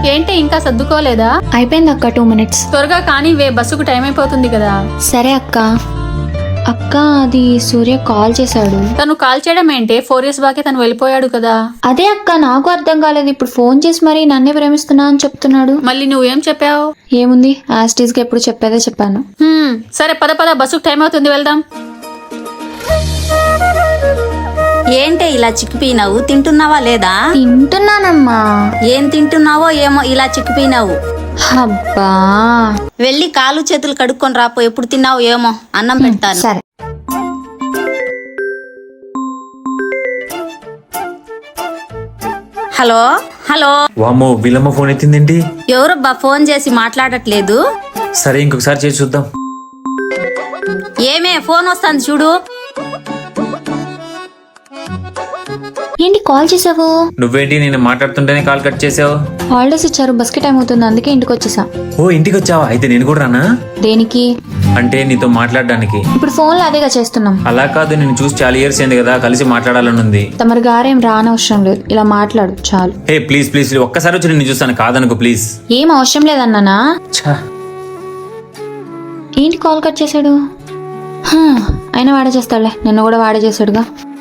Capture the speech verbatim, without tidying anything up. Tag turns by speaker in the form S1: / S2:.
S1: ఏంటి ఇంకా సర్దుకోలేదా?
S2: అయిపోయింది అక్క, టూ మినిట్స్.
S1: త్వరగా కానీ వే, బస్సుకు టైం అయిపోతుంది కదా.
S2: సరే అక్క. అక్క అది సూర్య కాల్ చేశాడు.
S1: తను కాల్ చేయడం ఏంటి? ఫోర్ ఇయర్స్ బాకే తను వెళ్ళిపోయాడు కదా.
S2: అదే అక్క నాకు అర్థం కాలేదు. ఇప్పుడు ఫోన్ చేసి మరి నన్నే ప్రేమిస్తున్నా అని చెప్తున్నాడు.
S1: మళ్ళీ నువ్వేం చెప్పావు?
S2: ఏముంది, యాస్టీస్ గా ఎప్పుడు చెప్పేదే చెప్పాను.
S1: హ్మ్, సరే పద పద, బస్సుకు టైం అవుతుంది, వెళ్దాం.
S3: ఏంటే ఇలా చిక్కిపోయినావు? తింటున్నావా లేదా?
S2: తింటున్నానమ్మా.
S3: ఏం తింటున్నావో ఏమో ఇలా చిక్కిపోయినావు.
S2: అబ్బా,
S3: వెళ్ళి కాలు చేతులు కడుక్కొని రాపో. ఎప్పుడు తిన్నావు ఏమో, అన్నం పెడతాను.
S2: సరే.
S3: Hello hello.
S4: వామ్మో, వీళ్ళమ్మ ఫోన్ ఎత్తిందేంటి?
S3: ఎవరబ్బా ఫోన్ చేసి మాట్లాడట్లేదు?
S4: సరే ఇంకొకసారి చేసి చూద్దాం.
S3: ఏమే ఫోన్ వస్తుంది చూడు.
S2: ఏంటి కాల్ చేసావు?
S4: నువ్వేంటి నేను మాట్లాడుతుంటేనే కాల్ కట్ చేసావు?
S2: హాలిడేస్ ఇచ్చారు, బస్ కి టైం అవుతుంది, అందుకే ఇంటికి వచ్చేసా.
S4: ఓ ఇంటికి వచ్చావా? అయితే నేను కూడా రానా?
S2: దేనికి?
S4: అంటే నీతో మాట్లాడడానికి.
S2: ఇప్పుడు ఫోన్ లో అదేగా చేస్తున్నాం.
S4: అలా కాదు, నేను చూసి చాలా ఇయర్స్ అయింది కదా, కలిసి మాట్లాడాలని ఉంది.
S2: తమరి గారేం రానవసరం లేదు, ఇలా మాట్లాడు చాలు.
S4: హే ప్లీజ్ ప్లీజ్, ఒక్కసారి వచ్చి నేను చూస్తాను, కాదనుకో ప్లీజ్.
S2: ఏం అవసరం లేదన్నానా?
S4: ఛా,
S2: ఏంటి కాల్ కట్ చేశాడు? హా, అయినా వాడే చేస్తాడులే, నిన్ను కూడా వాడే చేశాడుగా.